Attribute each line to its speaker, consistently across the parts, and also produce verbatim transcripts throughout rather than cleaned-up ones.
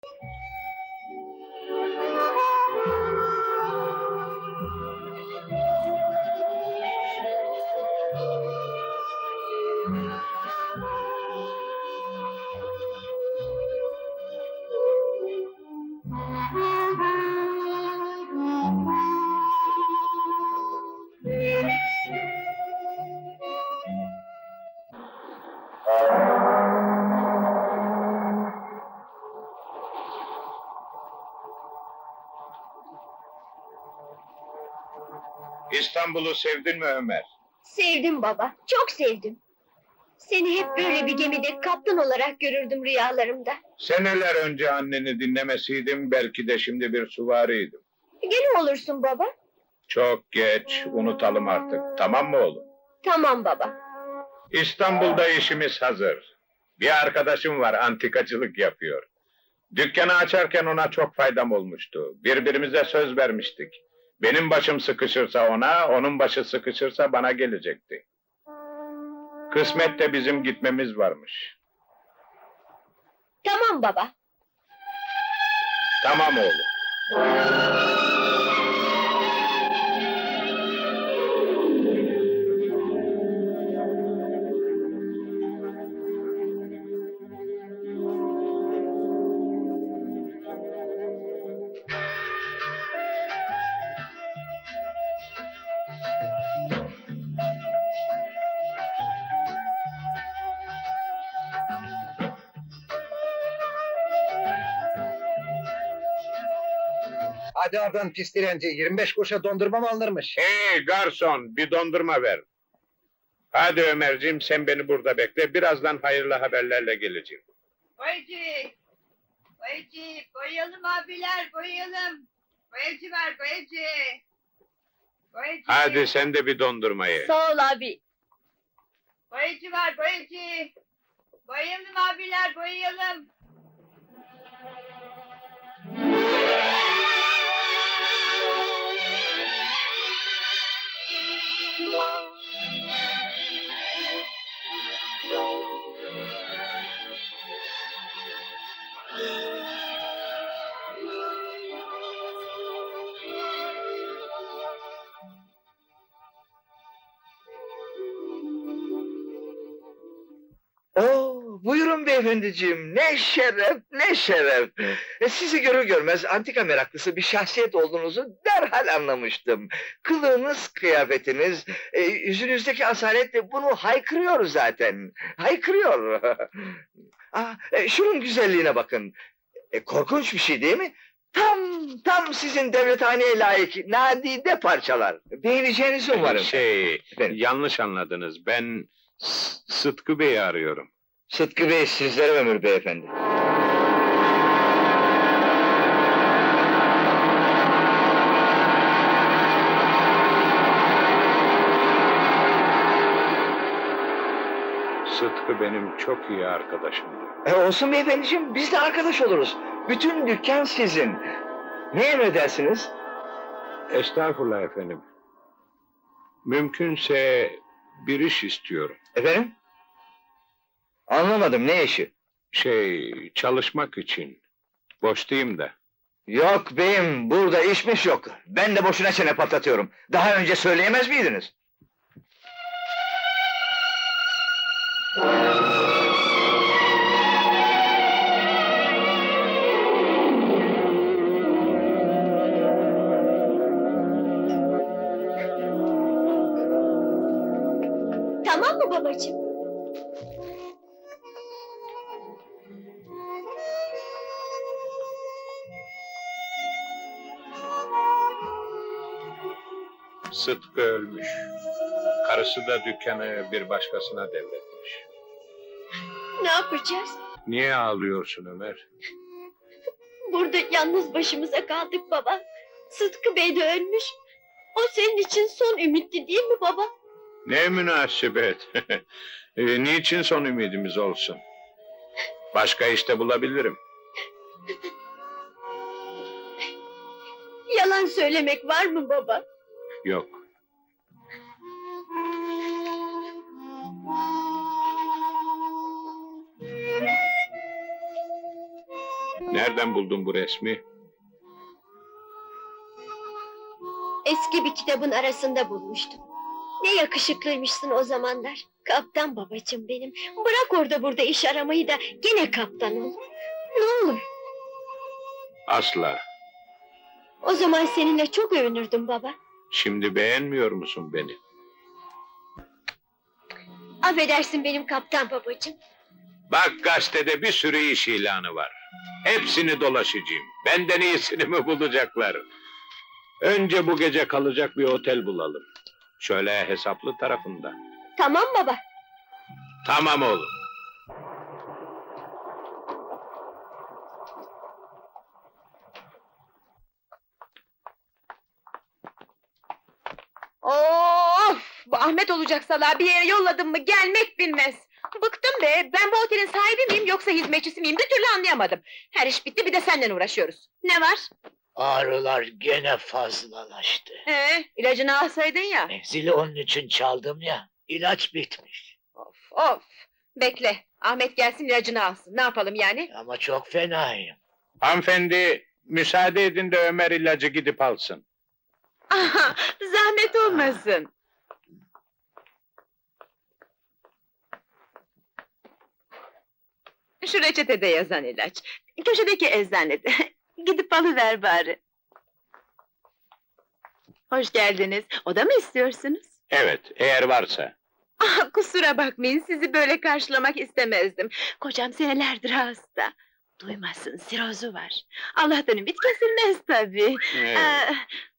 Speaker 1: İstanbul'u sevdin mi Ömer?
Speaker 2: Sevdim baba, çok sevdim. Seni hep böyle bir gemide kaptan olarak görürdüm rüyalarımda.
Speaker 1: Seneler önce anneni dinlemeseydim belki de şimdi bir süvariydim.
Speaker 2: Gene olursun baba.
Speaker 1: Çok geç, unutalım artık. Tamam mı oğlum?
Speaker 2: Tamam baba.
Speaker 1: İstanbul'da işimiz hazır. Bir arkadaşım var, antikacılık yapıyor. Dükkanı açarken ona çok faydam olmuştu. Birbirimize söz vermiştik. Benim başım sıkışırsa ona, onun başı sıkışırsa bana gelecekti. Kısmette bizim gitmemiz varmış.
Speaker 2: Tamam baba.
Speaker 1: Tamam oğlum.
Speaker 3: Hadi oradan pis dilenci, yirmi beş kuruşa dondurma mı alınırmış?
Speaker 1: Hey garson, bir dondurma ver. Hadi Ömerciğim, sen beni burada bekle. Birazdan hayırlı haberlerle geleceğim.
Speaker 4: Boyacı! Boyacı! Boyayalım abiler, boyayalım! Boyacı ver, boyacı! Boyacı!
Speaker 1: Hadi sen de bir dondurmayı.
Speaker 2: Sağ ol abi.
Speaker 4: Boyacı ver, boyacı! Boyayalım abiler, boyayalım!
Speaker 3: Oo, buyurun beyefendiciğim, ne şeref, ne şeref! E, sizi görür görmez antika meraklısı bir şahsiyet olduğunuzu derhal anlamıştım. Kılığınız, kıyafetiniz, e, yüzünüzdeki asalet de bunu haykırıyor zaten, haykırıyor! Ah, e, şunun güzelliğine bakın! E, korkunç bir şey değil mi? Tam, tam sizin devlethaneye layık nadide parçalar. Beğeneceğinizi umarım.
Speaker 1: Şey,
Speaker 3: Efendim?
Speaker 1: yanlış anladınız. Ben S- Sıtkı Bey'i arıyorum.
Speaker 3: Sıtkı Bey sizlere ömür beyefendi.
Speaker 1: Sıtkı benim çok iyi arkadaşımdı.
Speaker 3: E olsun beyefendiciğim, biz de arkadaş oluruz. Bütün dükkan sizin. Ne emredersiniz?
Speaker 1: Estağfurullah efendim. Mümkünse bir iş istiyorum.
Speaker 3: Efendim? Anlamadım, ne işi?
Speaker 1: Şey, çalışmak için. Boş değilim de.
Speaker 3: Yok beyim, burada işmiş yok. Ben de boşuna çene patlatıyorum. Daha önce söyleyemez miydiniz?
Speaker 2: Tamam mı babacığım?
Speaker 1: Sıtkı ölmüş. Karısı da dükkanı bir başkasına devretmiş.
Speaker 2: Ne yapacağız?
Speaker 1: Niye ağlıyorsun Ömer?
Speaker 2: Burada yalnız başımıza kaldık baba. Sıtkı Bey de ölmüş. O senin için son ümitti değil mi baba?
Speaker 1: Ne münasebet. E, niçin son ümidimiz olsun? Başka işte bulabilirim.
Speaker 2: Yalan söylemek var mı baba?
Speaker 1: Yok. Nereden buldun bu resmi?
Speaker 2: Eski bir kitabın arasında bulmuştum. Ne yakışıklıymışsın o zamanlar. Kaptan babacığım benim. Bırak orada burada iş aramayı da gene kaptan ol. Ne olur.
Speaker 1: Asla.
Speaker 2: O zaman seninle çok övünürdüm baba.
Speaker 1: Şimdi beğenmiyor musun beni?
Speaker 2: Affedersin benim kaptan babacığım.
Speaker 1: Bak gazetede bir sürü iş ilanı var. Hepsini dolaşacağım. Benden iyisini mi bulacaklar? Önce bu gece kalacak bir otel bulalım. Şöyle hesaplı tarafında.
Speaker 2: Tamam baba.
Speaker 1: Tamam oğlum.
Speaker 4: Of! Bu Ahmet olacak salağı bir yere yolladım mı gelmek bilmez. Bıktım be! Ben bu otelin sahibi miyim yoksa hizmetçisi miyim bir türlü anlayamadım. Her iş bitti bir de seninle uğraşıyoruz. Ne var?
Speaker 5: Ağrılar gene fazlalaştı.
Speaker 4: Ee, ilacını alsaydın ya.
Speaker 5: Zili onun için çaldım ya. İlaç bitmiş.
Speaker 4: Of of! Bekle, Ahmet gelsin ilacını alsın. Ne yapalım yani?
Speaker 5: Ama çok fenayım.
Speaker 1: Hanımefendi, müsaade edin de Ömer ilacı gidip alsın.
Speaker 4: Aha, zahmet olmasın. Şu reçetede yazan ilaç. Köşedeki eczanede. Gidip alıver bari. Hoş geldiniz. Oda mı istiyorsunuz?
Speaker 1: Evet, eğer varsa.
Speaker 4: Ah, kusura bakmayın, sizi böyle karşılamak istemezdim. Kocam senelerdir hasta. Duymasın, sirozu var. Allah'tan ümit kesilmez tabii.
Speaker 1: Evet.
Speaker 4: Ee,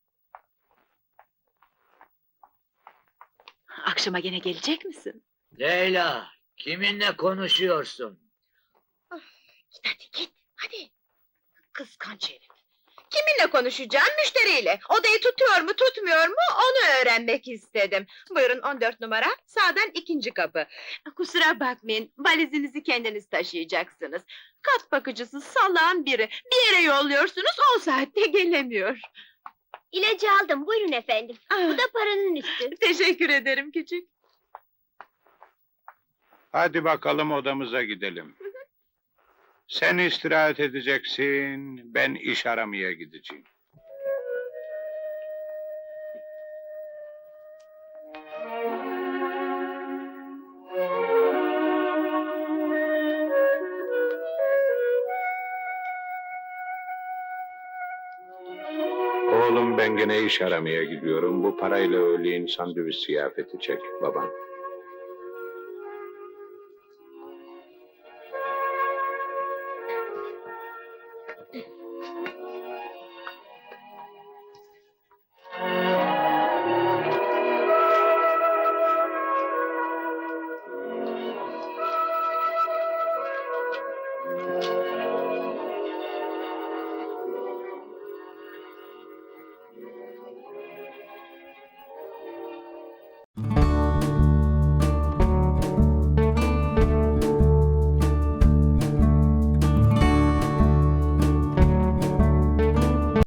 Speaker 4: akşama gene gelecek misin?
Speaker 5: Leyla, kiminle konuşuyorsun?
Speaker 4: Git hadi git, hadi. Kıskanç herif. Kiminle konuşacağım? Müşteriyle. Odayı tutuyor mu, tutmuyor mu? Onu öğrenmek istedim. Buyurun on dört numara, sağdan ikinci kapı. Kusura bakmayın, valizinizi kendiniz taşıyacaksınız. Kat bakıcısı salağın biri. Bir yere yolluyorsunuz, on saatte gelemiyor.
Speaker 2: İlacı aldım buyurun efendim. Bu da paranın üstü.
Speaker 4: Teşekkür ederim küçük.
Speaker 1: Hadi bakalım odamıza gidelim. Sen istirahat edeceksin, ben iş aramaya gideceğim. Oğlum ben gene iş aramaya gidiyorum. Bu parayla öğleyin sandviç ziyafeti çek babam.